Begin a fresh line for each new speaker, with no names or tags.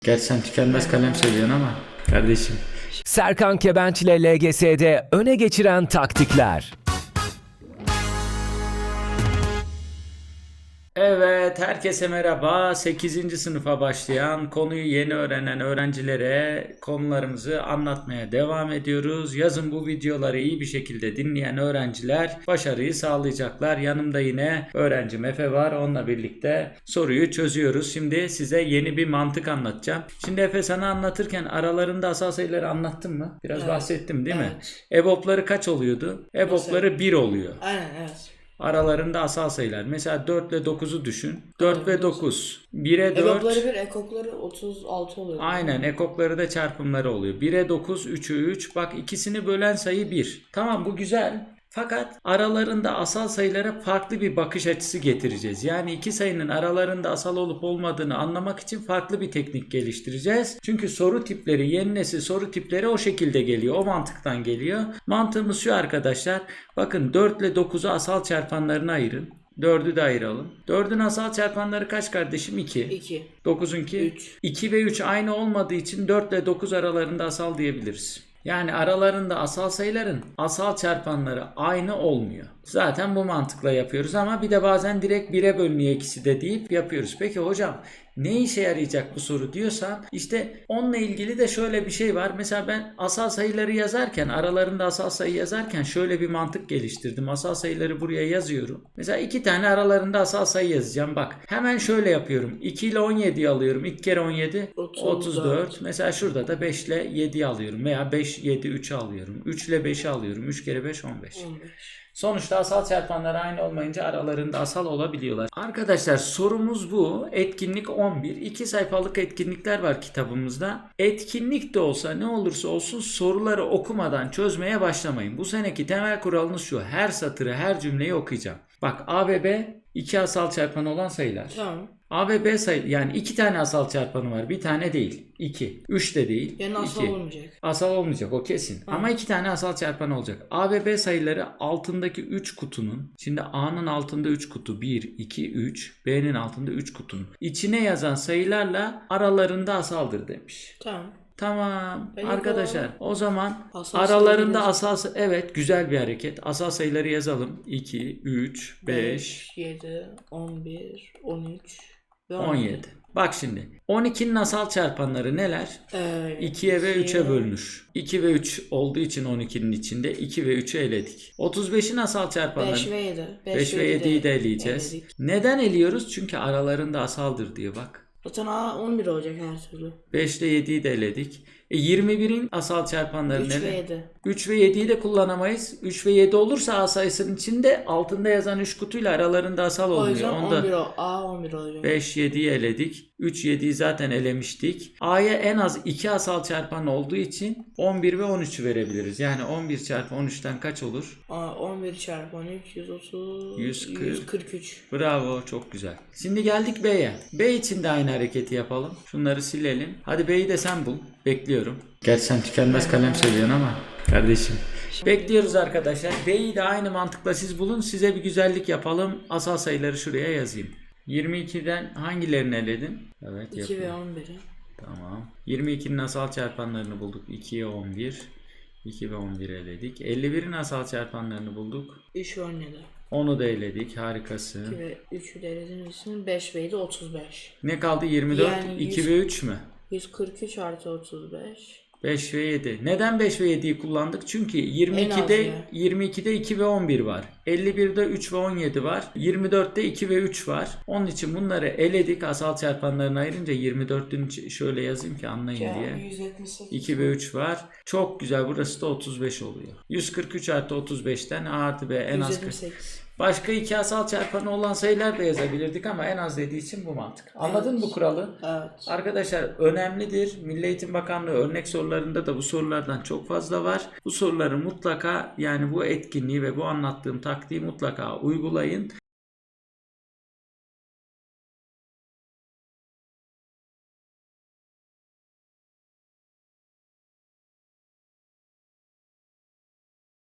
Gerçi sen tükenmez kalem seviyorsun ama kardeşim.
Serkan Kebenç ile LGS'de öne geçiren taktikler.
Evet, herkese merhaba. 8. sınıfa başlayan, konuyu yeni öğrenen öğrencilere konularımızı anlatmaya devam ediyoruz. Yazın bu videoları iyi bir şekilde dinleyen öğrenciler başarıyı sağlayacaklar. Yanımda yine öğrencim Efe var. Onunla birlikte soruyu çözüyoruz. Şimdi size yeni bir mantık anlatacağım. Şimdi Efe, sana anlatırken aralarında asal sayıları anlattım mı? Biraz bahsettim değil mi? EBOB'ları kaç oluyordu? EBOB'ları 1 oluyor.
Aynen, evet.
Aralarında asal sayılar. Mesela 4 ile 9'u düşün. 4 ve 9. 1'e 4.
EBOB'ları 1, ekokları 36 oluyor.
Aynen, ekokları da çarpımları oluyor. 1'e 9, 3'e 3. Bak, ikisini bölen sayı 1. Tamam, bu güzel. Fakat aralarında asal sayılara farklı bir bakış açısı getireceğiz. Yani iki sayının aralarında asal olup olmadığını anlamak için farklı bir teknik geliştireceğiz. Çünkü soru tipleri, yeni nesil soru tipleri o şekilde geliyor. O mantıktan geliyor. Mantığımız şu arkadaşlar. Bakın, 4 ile 9'u asal çarpanlarına ayırın. 4'ü de ayıralım. 4'ün asal çarpanları kaç kardeşim? 2.
2.
9'unki?
3.
2 ve 3 aynı olmadığı için 4 ile 9 aralarında asal diyebiliriz. Yani aralarında asal sayıların asal çarpanları aynı olmuyor. Zaten bu mantıkla yapıyoruz ama bir de bazen direkt 1'e bölünüyor ikisi de deyip yapıyoruz. Peki hocam, ne işe yarayacak bu soru diyorsan, işte onunla ilgili de şöyle bir şey var. Mesela ben asal sayıları yazarken, aralarında asal sayı yazarken şöyle bir mantık geliştirdim. Asal sayıları buraya yazıyorum. Mesela 2 tane aralarında asal sayı yazacağım. Bak, hemen şöyle yapıyorum. 2 ile 17'yi alıyorum. 2 kere 17 34. Mesela şurada da 5 ile 7'yi alıyorum. Veya 5, 7, 3'ü alıyorum. 3 ile 5'i alıyorum. 3 kere 5 15. Sonuçta asal çarpanları aynı olmayınca aralarında asal olabiliyorlar. Arkadaşlar, sorumuz bu. Etkinlik 11. 2 sayfalık etkinlikler var kitabımızda. Etkinlik de olsa, ne olursa olsun soruları okumadan çözmeye başlamayın. Bu seneki temel kuralınız şu: her satırı, her cümleyi okuyacağım. Bak, A ve B iki asal çarpanı olan sayılar.
Tamam.
A ve B sayı, yani 2 tane asal çarpanı var. Bir tane değil. 2. 3 de değil.
Yani asal olmayacak.
Asal olmayacak, o kesin. Ama 2 tane asal çarpanı olacak. A ve B sayıları altındaki 3 kutunun, şimdi A'nın altında 3 kutu, 1, 2, 3. B'nin altında 3 kutunun İçine yazan sayılarla aralarında asaldır demiş.
Tamam.
Tamam
Peki,
arkadaşlar, o zaman
asal
aralarında asal, evet, güzel bir hareket. Asal sayıları yazalım. 2, 3, 5,
7, 11, 13 ve
17. Bak şimdi, 12'nin asal çarpanları neler? 2'ye ve 3'e bölünür. 2 ve 3 olduğu için 12'nin içinde 2 ve 3'ü eledik. 35'in asal çarpanları
5 ve 7.
5 ve 7'yi de eleyeceğiz.
Eledik.
Neden eliyoruz? Çünkü aralarında asaldır diye bak.
Zaten A 11 olacak her türlü.
5 ile 7'yi de eledik. 21'in asal çarpanları
3
neler?
ve 7.
3 ve 7'yi de kullanamayız. 3 ve 7 olursa A sayısının içinde altında yazan 3 kutuyla aralarında asal
O
olmuyor.
yüzden
Onda
11 A 11 olacak.
5, 7'yi eledik. 3, 7'yi zaten elemiştik. A'ya en az 2 asal çarpan olduğu için 11 ve 13'ü verebiliriz. Yani 11 çarpı 13'ten kaç olur?
11 çarpı 13 130
140.
143.
Bravo, çok güzel. Şimdi geldik B'ye. B için de aynı hareketi yapalım. Şunları silelim. Hadi B'yi de sen bul. Bekliyorum. Gerçi sen tükenmez kalem seviyorsun ama kardeşim. Bekliyoruz arkadaşlar. B'yi de aynı mantıkla siz bulun. Size bir güzellik yapalım. Asal sayıları şuraya yazayım. 22'den hangilerini eledin? Evet,
2
yapıyorum.
ve 11'i.
Tamam. 22'nin asal çarpanlarını bulduk. 2'ye 11. 2 ve 11 eledik. 51'in asal çarpanlarını bulduk.
3 ve 17.
Onu da eledik. Harikasın.
2 ve 3'ü de elediğimiz için 5 ve 7 35.
Ne kaldı? 24,
Yani
2 ve 3 mü?
143 artı 35.
5 ve 7. Neden 5 ve 7'yi kullandık? Çünkü
En az
22'de 2 ve 11 var. 51'de 3 ve 17 var. 24'te 2 ve 3 var. Onun için bunları eledik. Asal çarpanlarını ayırınca 24'ün şöyle yazayım ki anlayın diye.
178.
2 ve 3 var. Çok güzel. Burası da 35 oluyor. 143 artı 35'ten A artı B en az
178.
Başka iki asal çarpanı olan sayılar da yazabilirdik ama en az dediği için bu mantık. Anladın mı bu kuralı?
Evet.
Arkadaşlar, önemlidir. Milli Eğitim Bakanlığı örnek sorularında da bu sorulardan çok fazla var. Bu soruları mutlaka, yani bu etkinliği ve bu anlattığım taktiği mutlaka uygulayın.